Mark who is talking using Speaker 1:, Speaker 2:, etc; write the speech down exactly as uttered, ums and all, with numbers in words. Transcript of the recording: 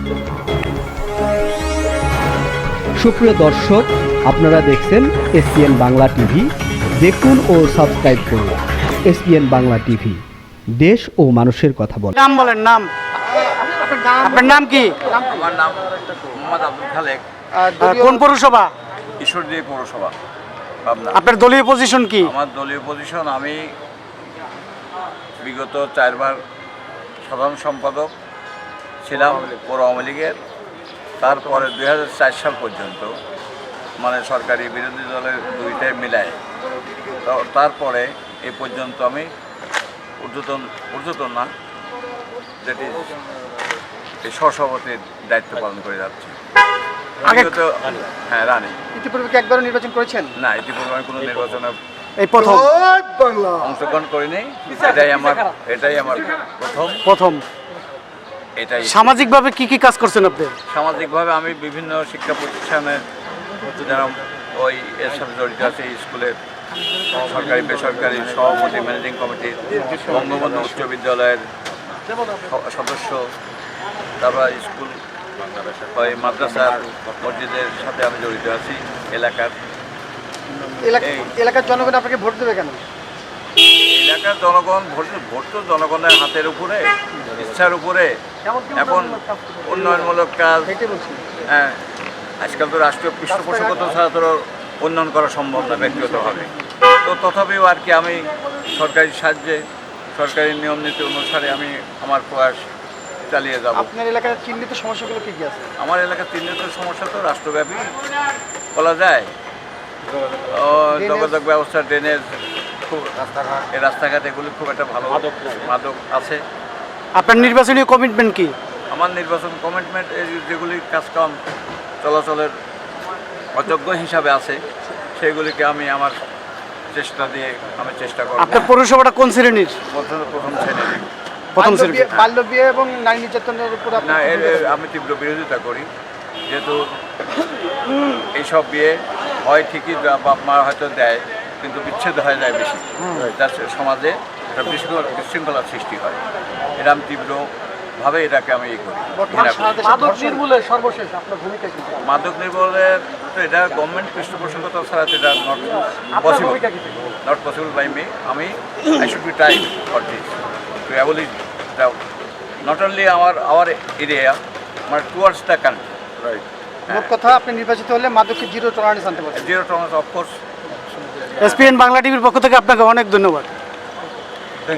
Speaker 1: সুপ্রিয় দর্শক, আপনারা দেখছেন এসপিএন বাংলা টিভি। দেখুন ও সাবস্ক্রাইব করুন এসপিএন বাংলা টিভি, দেশ ও মানুষের কথা বলে।
Speaker 2: নাম বলেন, নাম আপনার নাম কি?
Speaker 3: আমার নাম মোহাম্মদ আব্দুল খালেক।
Speaker 2: কোন পৌরসভা?
Speaker 3: ঈশ্বরদী পৌরসভা, পাবনা।
Speaker 2: আপনার দলীয় পজিশন কি?
Speaker 3: আমার দলীয় পজিশন, আমি বিগত চারবার সাধারণ সম্পাদক ছিলাম পৌর আওয়ামী লীগের। তারপরে দুই হাজার চার সাল পর্যন্ত, মানে সরকারি বিরোধী দলের দুইটাই মিলায়, তারপরে এই পর্যন্ত আমি ঊর্ধ্বতন ঊর্ধ্বতন না যেটি এই সহসভাপতির দায়িত্ব পালন করে যাচ্ছি। বিগত হ্যাঁ রানী।
Speaker 2: ইতিপূর্বে কি একবারও নির্বাচন করেছেন?
Speaker 3: না, ইতিপূর্বে আমি কোনো নির্বাচনে
Speaker 2: এই প্রথম
Speaker 3: অংশগ্রহণ করিনি। এটাই আমার এটাই আমার প্রথম
Speaker 2: প্রথম
Speaker 3: এটাই।
Speaker 2: সামাজিকভাবে কি কি কাজ করছেন আপনি?
Speaker 3: সামাজিকভাবে আমি বিভিন্ন শিক্ষা প্রতিষ্ঠানে যারা ওই এর সাথে জড়িত আছে, স্কুলের সরকারি বেসরকারি সভাপতি, ম্যানেজিং কমিটি, বঙ্গবন্ধু উচ্চ বিদ্যালয়ের সদস্য, তারপর স্কুল ওই মাদ্রাসার মসজিদের সাথে আমি জড়িত আছি। এলাকার
Speaker 2: এলাকার জনগণ আপনাকে ভোট দেবে কেন?
Speaker 3: এলাকার জনগণ ভোট ভোট তো জনগণের হাতের উপরে, ইচ্ছার উপরে। এখন উন্নয়নমূলক কাজ, হ্যাঁ, আজকাল তো রাষ্ট্রীয় পৃষ্ঠপোষকতা ছাড়া তো উন্নয়ন করা সম্ভব না ব্যক্তিগতভাবে। তো তথাপিও আর কি আমি সরকারি সাহায্যে, সরকারি নিয়ম নীতি অনুসারে আমি আমার প্রয়াস চালিয়ে যাব।
Speaker 2: আপনার এলাকার চিহ্নিত সমস্যাগুলো কি কি আছে?
Speaker 3: আমার এলাকার চিহ্নিত সমস্যা তো রাষ্ট্রব্যাপী বলা যায়। যোগাযোগ ব্যবস্থা, ড্রেনেজ, খুব রাস্তাঘাট, এই রাস্তাঘাট এগুলি খুব একটা ভালো মাদক আছে।
Speaker 2: আপনার নির্বাচনী কমিটমেন্ট কি?
Speaker 3: আমার নির্বাচন কমিটমেন্ট যেগুলি কাজকাম চলাচলের অযোগ্য হিসাবে আছে, সেগুলিকে আমি আমার চেষ্টা দিয়ে আমি চেষ্টা করব।
Speaker 2: আপনার পৌরসভাটা কোন শ্রেণীর?
Speaker 3: প্রথম প্রথম শ্রেণীর।
Speaker 2: প্রথম শ্রেণী। বাল্য বিয়ে এবং নারী নির্যাতনের উপর
Speaker 3: না, এর আমি তীব্র বিরোধিতা করি। যেহেতু এইসব বিয়ে হয় ঠিকই, বাপ মা হয়তো দেয়, কিন্তু বিচ্ছেদ হয়ে যায় বেশি, যার সমাজে একটা বিশৃঙ্খলার সৃষ্টি হয়। এটা আমি তীব্রভাবে এটাকে আমি ই করি।
Speaker 2: মাদক নির্মূলের সর্বশেষ আপনার ভূমিকা কি?
Speaker 3: মাদক নির্মূলের তো এটা গভর্নমেন্ট পৃষ্ঠপোষকতা ছাড়া তো এটা not possible, not possible by me. আমি I should be try for this to abolish the not only our our area, মানে টুয়ার্ডস দ্য কান্ট্রি। রাইট।
Speaker 2: মোট কথা, আপনি নির্বাচিত হলে মাদককে জিরো টলারেন্স আনতে পারবেন।
Speaker 3: Zero tolerance, of course.
Speaker 2: SPN Bangla টিভির পক্ষ থেকে আপনাকে অনেক ধন্যবাদ।